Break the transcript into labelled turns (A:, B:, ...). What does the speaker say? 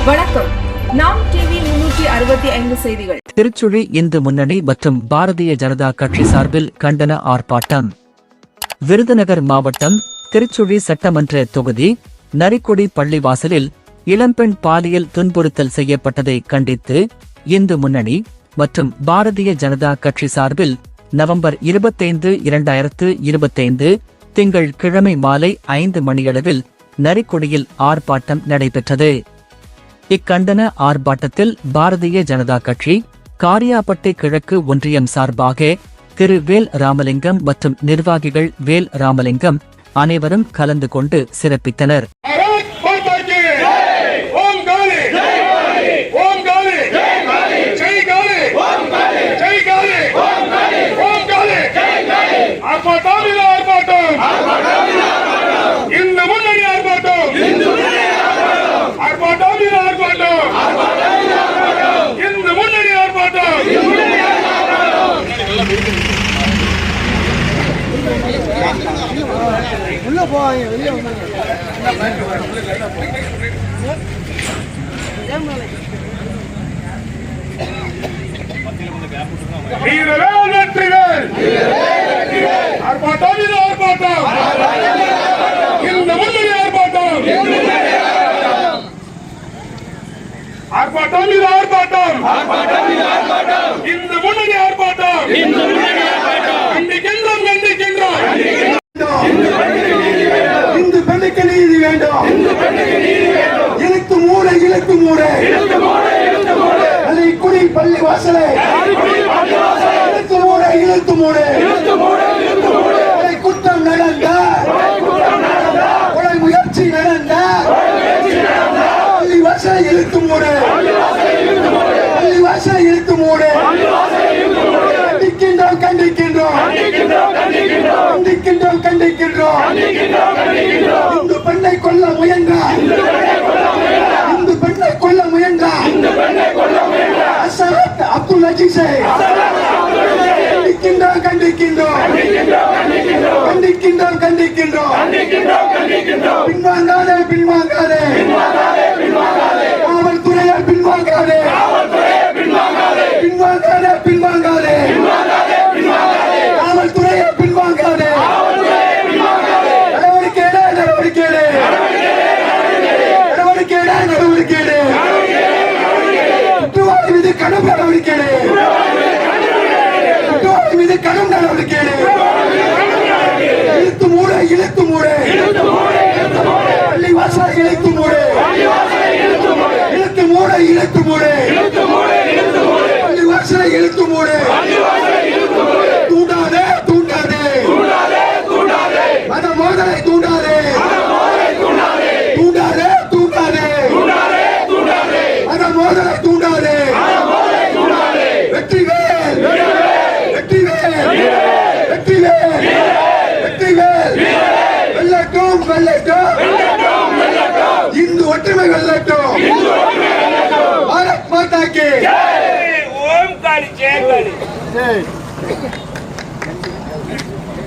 A: வணக்கம். நாம் டிவி 365 செய்திகள்.
B: திருச்சுழி இந்து முன்னணி மற்றும் பாரதிய ஜனதா கட்சி சார்பில் கண்டன ஆர்ப்பாட்டம். விருதுநகர் மாவட்டம் திருச்சுழி சட்டமன்ற தொகுதி நரிக்குடி பள்ளிவாசலில் இளம்பெண் பாலியல் துன்புறுத்தல் செய்யப்பட்டதை கண்டித்து இந்து முன்னணி மற்றும் பாரதிய ஜனதா கட்சி சார்பில் நவம்பர் 25, 2025 திங்கள் கிழமை மாலை 5 மணியளவில் நரிக்குடியில் ஆர்ப்பாட்டம் நடைபெற்றது. இக்கண்டன ஆர்ப்பாட்டத்தில் பாரதிய ஜனதா கட்சி காரியாபட்டி கிழக்கு ஒன்றியம் சார்பாக திரு வேல் ராமலிங்கம் மற்றும் நிர்வாகிகள் வேல் ராமலிங்கம் அனைவரும் கலந்து கொண்டு சிறப்பித்தனர்.
C: உள்ள போவாங்க வெளியே இந்து பெண்ணுக்கு நீதி வேண்டும். இழுத்து மூட குடி பள்ளி வாசலை இழுத்து மூட குற்றம் நடந்த கொலை முயற்சி நடந்த பள்ளி வாசலை இழுத்து மூட கண்டிக்கின்றோம். இந்து பெண்ணை கொல்ல முயன்றார். அசரத் அப்துல் அஜீஸை கண்டிக்கின்றோம். பின்வாங்காதே காவல்துறையால் பின்வாங்காதே கடும் நடவடிக்கை இழுத்து மூட பள்ளி வாசல் இழுத்து மூட பள்ளி வாசலை இழுத்து மூட தூண்டாதே மத மோதலை தூண்டாதே மத மோதலை தூண்டாதே. வெற்றிவேல் வெல்லட்டும். இந்து ஒற்றுமை வெல்லட்டும். பாரத் மாதா கி ஜெய். ஓம் காளி ஜெய் காளி.